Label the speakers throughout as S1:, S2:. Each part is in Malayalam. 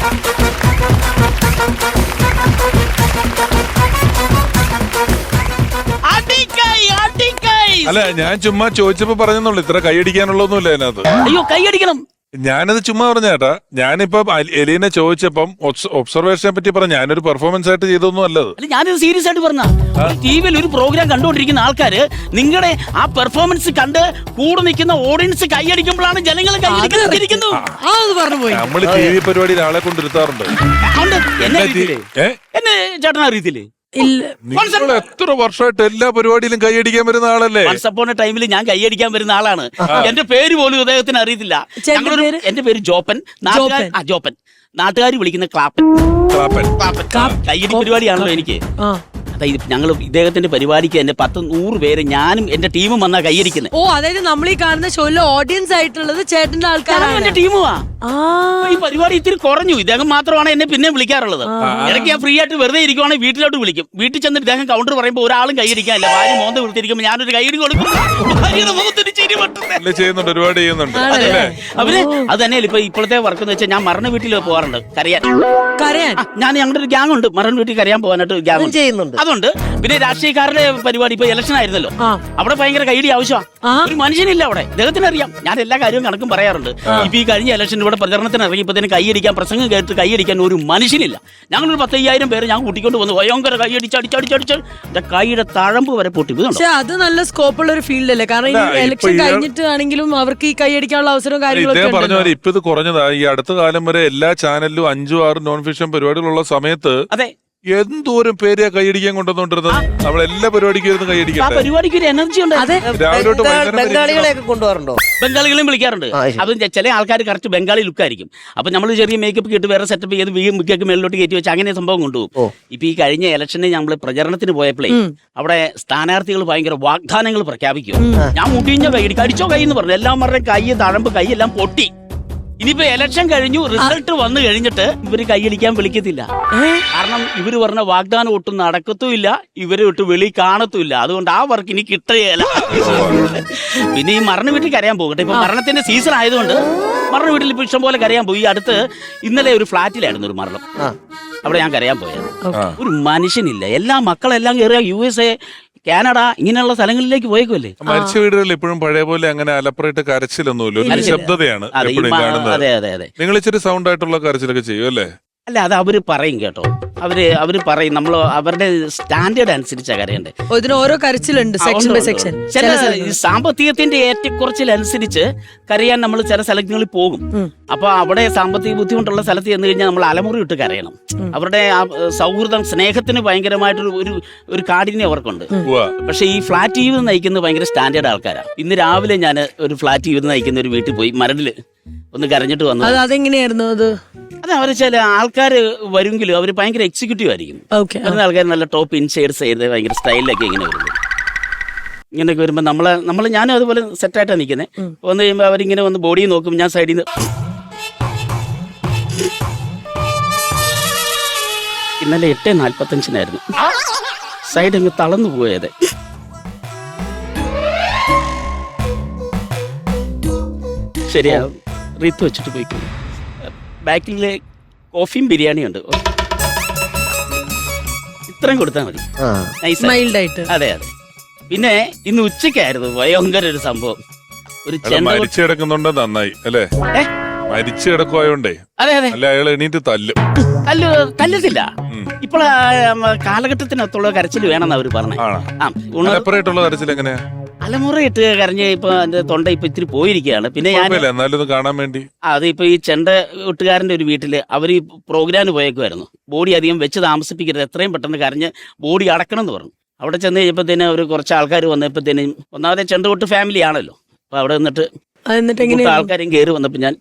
S1: അല്ല, ഞാൻ ചുമ്മാ ചോദിച്ചപ്പോ പറഞ്ഞെന്നുള്ളൂ, ഇത്ര കൈയടിക്കാനുള്ളതൊന്നുമില്ല അതിനകത്ത്.
S2: അയ്യോ, കൈയടിക്കണം.
S1: ഞാനത് ചുമ്മാ പറഞ്ഞ ചേട്ടാ. ഞാനിപ്പോ എലീനെ ചോദിച്ചപ്പം ഒബ്സർവേഷനെ പറ്റി പറഞ്ഞ, ഞാനൊരു പെർഫോമൻസ് ആയിട്ട് ചെയ്തൊന്നും അല്ലത്.
S2: ഞാനിത് സീരിയസ് ആയിട്ട് പറഞ്ഞ. ടിവിയിൽ ഒരു പ്രോഗ്രാം കണ്ടുകൊണ്ടിരിക്കുന്ന ആൾക്കാര് നിങ്ങളുടെ ആ പെർഫോമൻസ് കണ്ട് കൂടെ നിൽക്കുന്ന ഓഡിയൻസ് കൈയടിക്കുമ്പോഴാണ് ജനങ്ങൾ കൈയടിക്കുന്നത്.
S1: നമ്മള് ടി വി പരിപാടിയിൽ ആളെ കൊണ്ടിരുത്താറുണ്ട്.
S2: എന്നെ ചേട്ടൻ അറിയത്തില്ലേ?
S1: നിങ്ങൾ എത്ര വർഷമായിട്ട് എല്ലാ പരിപാടിയിലും കൈയടിക്കാൻ വരുന്ന ആളല്ലേ?
S2: ടൈമിൽ ഞാൻ കൈയടിക്കാൻ വരുന്ന ആളാണ്. എന്റെ പേര് പോലും അദ്ദേഹത്തിന് അറിയത്തില്ല. എന്റെ പേര് ജോപ്പൻ. ജോപ്പൻ. നാട്ടുകാർ വിളിക്കുന്ന ക്ലാപ്പൻ. കൈയടി പരിപാടിയാണല്ലോ എനിക്ക്. അതായത് ഞങ്ങൾ ഇദ്ദേഹത്തിന്റെ പരിപാടിക്ക് എന്റെ 10-100 പേര് ഞാനും എന്റെ ടീമും വന്നാ കൈയടിക്കുന്നത്.
S3: ഓ, അതായത് നമ്മൾ ഈ കാണുന്ന ഷോയിലെ ഓഡിയൻസ് ആയിട്ടുള്ളത് ചേട്ടന്റെ ആൾക്കാരാണ്.
S2: എന്റെ ടീമുവാ. ഈ പരിപാടി ഇത്തിരി കുറഞ്ഞു. ഇദ്ദേഹം മാത്രമാണ് എന്നെ പിന്നെ വിളിക്കാറുള്ളത്. ഇടയ്ക്ക് ഞാൻ ഫ്രീ ആയിട്ട് വെറുതെ ഇരിക്കുവാണെങ്കിൽ വീട്ടിലോട്ട് വിളിക്കും. വീട്ടിൽ ചെന്നിട്ട് ഇദ്ദേഹം കൗണ്ടർ പറയുമ്പോൾ ഒരാളും കൈയടിക്കാനില്ല. ഭാര്യ മോന്ത വിളിച്ചിരിക്കുമ്പോൾ ഞാനൊരു കൈയടി കൊടുക്കും. അവര് അത് തന്നെയല്ല. ഇപ്പൊ ഇപ്പോഴത്തെ വർക്ക് എന്ന് വെച്ചാൽ ഞാൻ മരണ വീട്ടിൽ പോകാറുണ്ട് കരയാൻ. ഞാൻ ഞങ്ങളുടെ ഒരു ഗ്യാങ് ഉണ്ട്, മരണ വീട്ടിൽ കരയാൻ പോകാനായിട്ട് ഗ്യാങ് ചെയ്യുന്നുണ്ട്. അതുകൊണ്ട് പിന്നെ രാഷ്ട്രീയക്കാരുടെ പരിപാടി ഇപ്പൊ ഇലക്ഷൻ ആയിരുന്നല്ലോ, അവിടെ ഭയങ്കര കൈയടി ആവശ്യമാണ്. ഒരു മനുഷ്യനില്ല അവിടെ. അദ്ദേഹത്തിന് അറിയാം ഞാൻ എല്ലാ കാര്യവും കണക്കും പറയാറുണ്ട്. ഇപ്പൊ ഈ കഴിഞ്ഞ ഇലക്ഷൻ ഇവിടെ പ്രചരണത്തിന് ഇറങ്ങിയപ്പോഴത്തേന് കൈയടിക്കാൻ, പ്രസംഗം കേട്ട് കൈയടിക്കാൻ ഒരു മനുഷ്യനില്ല. ഞങ്ങളൊരു 10,000 പേര് ഞാൻ കൂട്ടിക്കൊണ്ട് വന്നു. ഭയങ്കര കൈയടിച്ചടിച്ചടിച്ചടിച്ച് എന്റെ കൈയുടെ തഴമ്പ് വരെ പൊട്ടി.
S3: അത് നല്ല സ്കോപ്പുള്ള ഒരു ഫീൽഡ് അല്ലേ? കാരണം ഇലക്ഷൻ കഴിഞ്ഞിട്ട് ആണെങ്കിലും അവർക്ക് ഈ കൈയടിക്കാനുള്ള അവസരവും കാര്യങ്ങളൊക്കെ
S1: പറഞ്ഞ പോലെ ഇപ്പൊ ഇത് കുറഞ്ഞതാ. ഈ അടുത്ത കാലം വരെ എല്ലാ ചാനലിലും 5-6 നോൺ ഫിക്ഷൻ പരിപാടികളുള്ള സമയത്ത് അതെ എന്തോരം പേരെയാ കൈയടിക്കാൻ കൊണ്ടുവന്നോണ്ടിരുന്നത്. നമ്മളെല്ലാ പരിപാടിക്കും ഇരുന്ന് കൈയടിക്കാം.
S2: പരിപാടിക്ക് ഒരു എനർജി ഉണ്ട്.
S4: ബംഗാളികളെയൊക്കെ കൊണ്ടുപോകാറുണ്ടോ?
S2: ബംഗാളികളെയും വിളിക്കാറുണ്ട്. അത് ചില ആൾക്കാർ കറക്റ്റ് ബംഗാളി ലുക്ക് ആയിരിക്കും. അപ്പൊ നമ്മൾ ചെറിയ മേക്കപ്പ് കിട്ടി വേറെ സെറ്റപ്പ് ചെയ്ത് മിക്കൊക്കെ മേളിലോട്ട് കയറ്റി വെച്ച് അങ്ങനെ സംഭവം കൊണ്ടുപോകും. ഇപ്പൊ ഈ കഴിഞ്ഞ ഇലക്ഷന് നമ്മൾ പ്രചരണത്തിന് പോയപ്പോഴേ അവിടെ സ്ഥാനാർത്ഥികൾ ഭയങ്കര വാഗ്ദാനങ്ങൾ പ്രഖ്യാപിക്കും. ഞാൻ മുടിഞ്ഞ കൈയടി കടിച്ചോ കൈ എന്ന് പറഞ്ഞു. എല്ലാം പറഞ്ഞ കൈ തഴമ്പ് കൈ എല്ലാം പൊട്ടി. ഇനിയിപ്പോ ഇലക്ഷൻ കഴിഞ്ഞു, റിസൾട്ട് വന്നു കഴിഞ്ഞിട്ട് ഇവര് കൈയടിക്കാൻ വിളിക്കത്തില്ല. കാരണം ഇവര് പറഞ്ഞ വാഗ്ദാനം ഒട്ടും നടക്കത്തുമില്ല, ഇവരെ ഒട്ട് വെളി കാണത്തുമില്ല. അതുകൊണ്ട് ആ വർക്ക് ഇനി കിട്ടുകയല്ല. പിന്നെ ഈ മരണ വീട്ടിൽ കരയാൻ പോകട്ടെ. ഇപ്പൊ മരണത്തിന്റെ സീസൺ ആയതുകൊണ്ട് മരണ വീട്ടിൽ ഇപ്പൊ ഇഷ്ടം പോലെ കരയാൻ പോയി. അടുത്ത് ഇന്നലെ ഒരു ഫ്ലാറ്റിലായിരുന്നു ഒരു മരണം. അവിടെ ഞാൻ കരയാൻ പോയത്. ഒരു മനുഷ്യനില്ല. എല്ലാ മക്കളെല്ലാം കയറിയ USA, കാനഡ ഇങ്ങനെയുള്ള സ്ഥലങ്ങളിലേക്ക് പോയേക്കുമല്ലേ.
S1: മരിച്ച വീടുകളിൽ ഇപ്പോഴും പഴയ പോലെ അങ്ങനെ അലപ്പറയിട്ട് കരച്ചിലൊന്നുമില്ല. ഒരു ശബ്ദതയാണ് എപ്പോഴും കാണുന്നത്. നിങ്ങൾ ഇച്ചിരി സൗണ്ട് ആയിട്ടുള്ള കരച്ചിലൊക്കെ ചെയ്യും അല്ലേ?
S2: അല്ല, അത് അവര് പറയും കേട്ടോ. അവര് പറയും. നമ്മൾ അവരുടെ സ്റ്റാൻഡേർഡ് അനുസരിച്ചാണ് കരയണ്ടേ.
S3: ഓരോ കരച്ചിലുണ്ട്, സെക്ഷൻ ബൈ സെക്ഷൻ.
S2: ചില സാമ്പത്തികത്തിന്റെ ഏറ്റക്കുറച്ചിലനുസരിച്ച് കരയാൻ നമ്മൾ ചില സ്ഥലങ്ങളിൽ പോകും. അപ്പൊ അവിടെ സാമ്പത്തിക ബുദ്ധിമുട്ടുള്ള സ്ഥലത്ത് ചെന്ന് കഴിഞ്ഞാൽ നമ്മൾ അലമുറി ഇട്ട് കരയണം. അവരുടെ ആ സൗഹൃദം, സ്നേഹത്തിന് ഭയങ്കരമായിട്ടൊരു ഒരു കാഠിന്യം അവർക്കുണ്ട്. പക്ഷെ ഈ ഫ്ലാറ്റ് ജീവിതം നയിക്കുന്നത് ഭയങ്കര സ്റ്റാൻഡേർഡ് ആൾക്കാരാണ്. ഇന്ന് രാവിലെ ഞാൻ ഒരു ഫ്ലാറ്റ് ജീവിതം നയിക്കുന്ന ഒരു വീട്ടിൽ പോയി മരടില് ഒന്ന് കരഞ്ഞിട്ട് വന്നു.
S3: അതെങ്ങനെയായിരുന്നു അത്?
S2: അവര് ചില ആൾക്കാര് വരുമെങ്കിലും അവര് ഭയങ്കര എക്സിക്യൂട്ടീവ് ആയിരിക്കും. വരുന്ന ആൾക്കാർ നല്ല ടോപ്പ് ഇൻഷെയർസ് ചെയ്ത് ഭയങ്കര സ്റ്റൈലിലൊക്കെ ഇങ്ങനെ വരുന്നത്. ഇങ്ങനെയൊക്കെ വരുമ്പോ നമ്മള് ഞാനും അതുപോലെ സെറ്റായിട്ടാണ് നിൽക്കുന്നത്. വന്നു കഴിയുമ്പോൾ അവരിങ്ങനെ വന്ന് ബോഡി നോക്കും. ഞാൻ സൈഡിൽ നിന്ന് ഇന്നലെ 8:45 സൈഡ് അങ്ങ് തളർന്നു പോയത്. ശരിയാ, റീത്ത് വെച്ചിട്ട് പോയിക്കും. ബാക്കിലെ കോഫിയും ബിരിയാണിയും ഉണ്ട്. ഇത്രയും കൊടുത്താൽ മതി. അതെ. പിന്നെ ഇന്ന് ഉച്ചക്കായിരുന്നു ഭയങ്കര ഒരു സംഭവം. ഒരു
S1: മരിച്ചു കിടക്കുന്നുണ്ട്. നന്നായി അല്ലേ? മരിച്ചു കിടക്കുവായോണ്ടേ.
S2: അതെ.
S1: അല്ല, അയാൾ എണീറ്റ്
S2: തല്ലത്തില്ല. ഇപ്പോൾ കാലഘട്ടത്തിനകത്തുള്ള കരച്ചിൽ വേണമെന്ന് അവര് പറഞ്ഞു.
S1: കരച്ചിൽ എങ്ങനെയാ?
S2: അലമുറയിട്ട് കരഞ്ഞ് ഇപ്പൊ എന്റെ തൊണ്ട ഇപ്പൊ ഇത്തിരി പോയിരിക്കുകയാണ്. പിന്നെ ഞാൻ
S1: കാണാൻ വേണ്ടി
S2: ഇപ്പൊ ഈ ചെണ്ട ഒട്ടുകാരന്റെ ഒരു വീട്ടില് അവർ ഈ പ്രോഗ്രാമിന് പോയേക്കുമായിരുന്നു. ബോഡി അധികം വെച്ച് താമസിപ്പിക്കരുത്, എത്രയും പെട്ടെന്ന് കരഞ്ഞ് ബോഡി അടക്കണം എന്ന് പറഞ്ഞു. അവിടെ ചെന്ന് കഴിഞ്ഞപ്പോഴത്തേന് ഒരു കുറച്ച് ആൾക്കാർ വന്നപ്പോഴത്തേനും, ഒന്നാമതെ ചെണ്ട ഒട്ട് ഫാമിലി ആണല്ലോ. അപ്പൊ അവിടെ നിന്നിട്ട് ആൾക്കാരും കയറി വന്നപ്പോ ഞാൻ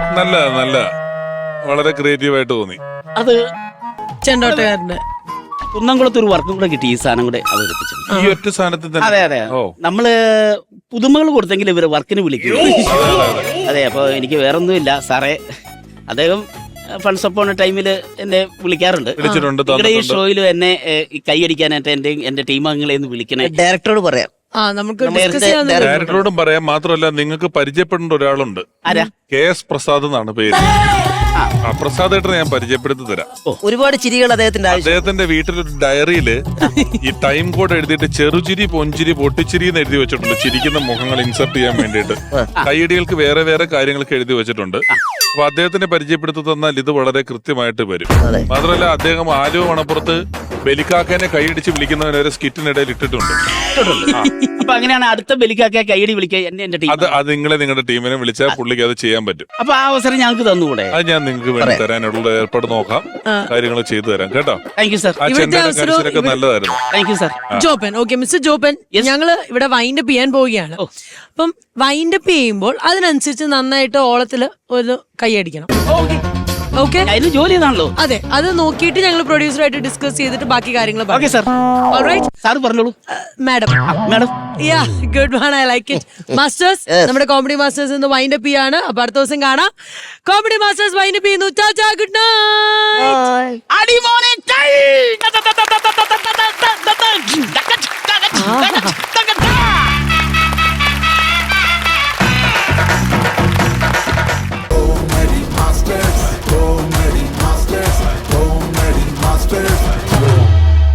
S1: നല്ല വളരെ ക്രിയേറ്റീവ് ആയിട്ട് തോന്നി.
S2: അത്
S3: ചെണ്ടോട്ടുകാരന്റെ
S2: കുന്നംകുളത്ത് ഒരു വർക്കും കൂടെ കിട്ടി, ഈ സാധനം കൂടെ അവതരിപ്പിച്ചു.
S1: ഈ ഒറ്റ സാധനത്തിൽ തന്നെ.
S2: അതെ നമ്മള് പുതുമകൾ കൊടുത്തെങ്കിൽ ഇവര് വർക്കിന് വിളിക്കും. അതെ, അപ്പൊ എനിക്ക് വേറൊന്നുമില്ല സാറേ. അദ്ദേഹം ഫണ്ട്സ് അപ്പോൺ ടൈമില് എന്നെ വിളിക്കാറുണ്ട്. നിങ്ങളുടെ ഈ ഷോയിലും എന്നെ കൈയടിക്കാനായിട്ട് എന്റെ ടീം അംഗങ്ങളെ ഒന്ന് വിളിക്കണേ.
S4: ഡയറക്ടറോട് പറയാം.
S3: നമുക്ക്
S1: ഡയറക്ടറോടും പറയാം. മാത്രമല്ല നിങ്ങൾക്ക് പരിചയപ്പെടേണ്ട ഒരാളുണ്ട്.
S2: ആരാ?
S1: KS പ്രസാദ് എന്നാണ് പേര്. പ്രസാദ് ഏട്ടനെ ഞാൻ പരിചയപ്പെടുത്തി തരാം.
S4: ഒരുപാട് ചിരികൾ അദ്ദേഹത്തിന്റെ
S1: വീട്ടിലൊരു ഡയറിയില് ഈ ടൈം കോഡ് എഴുതിയിട്ട് ചെറുചിരി, പൊഞ്ചിരി, പൊട്ടിച്ചിരി എന്ന് എഴുതി വെച്ചിട്ടുണ്ട്. ചിരിക്കുന്ന മുഖങ്ങൾ ഇൻസർട്ട് ചെയ്യാൻ വേണ്ടിയിട്ട്. കൈയടികൾക്ക് വേറെ വേറെ കാര്യങ്ങളൊക്കെ എഴുതി വെച്ചിട്ടുണ്ട്. അപ്പൊ അദ്ദേഹത്തിനെ പരിചയപ്പെടുത്തി തന്നാൽ ഇത് വളരെ കൃത്യമായിട്ട് വരും. മാത്രമല്ല അദ്ദേഹം ആലുവ മണപ്പുറത്ത് ബലിക്കാക്കനെ കൈയടിച്ച് വിളിക്കുന്നവരെ ഒരു സ്കിറ്റിനിടയിൽ ഇട്ടിട്ടുണ്ട്.
S2: അപ്പൊ അങ്ങനെയാണ് അടുത്ത ബലിക്കാക്കെ കൈയടി വിളിക്കുക എന്റെ ടീം.
S1: അത് നിങ്ങളുടെ ടീമിനെ വിളിച്ചാൽ പുള്ളിക്ക് അത് ചെയ്യാൻ പറ്റും.
S2: അപ്പൊ ആ അവസരം ഞങ്ങൾക്ക് തന്നുകൂടെ?
S1: അത് ഞാൻ നിങ്ങൾക്ക് വേണ്ടി തരാനുള്ള ഏർപ്പാട് നോക്കാം, കാര്യങ്ങൾ ചെയ്തു തരാം കേട്ടോ.
S2: Thank you sir.
S1: ആ ചെണ്ടൊക്കെ നല്ലതായിരുന്നു.
S2: Thank you sir.
S3: Joppan, okay mister Joppan, ഞങ്ങള് ഇവിടെ വൈൻഡപ്പ് ചെയ്യാൻ പോവുകയാണ്. അപ്പം വൈൻഡപ്പ് ചെയ്യുമ്പോൾ അതിനനുസരിച്ച് നന്നായിട്ട് ഓളത്തില് ഒരു കൈയടിക്കണം. ഓക്കെ,
S2: അതിന് ജോലി ചെയ്താണല്ലോ.
S3: അതെ, അത് നോക്കിയിട്ട് ഞങ്ങൾ പ്രൊഡ്യൂസറായിട്ട് ഡിസ്കസ് ചെയ്തിട്ട് ബാക്കി കാര്യങ്ങൾ
S2: ഓക്കെ സർ. സാർ പറഞ്ഞോളൂ.
S3: Madam yeah good one, I like it. Masters, നമ്മുടെ കോമഡി മാസ്റ്റേഴ്സ് ഇന്ന് വൈൻഡപ്പ് ചെയ്യാണ്. അപ്പൊ അടുത്ത ദിവസം കാണാം. കോമഡി മാസ്റ്റേഴ്സ് വൈൻഡപ്പ് ചെയ്യുന്നു. Tata, good night.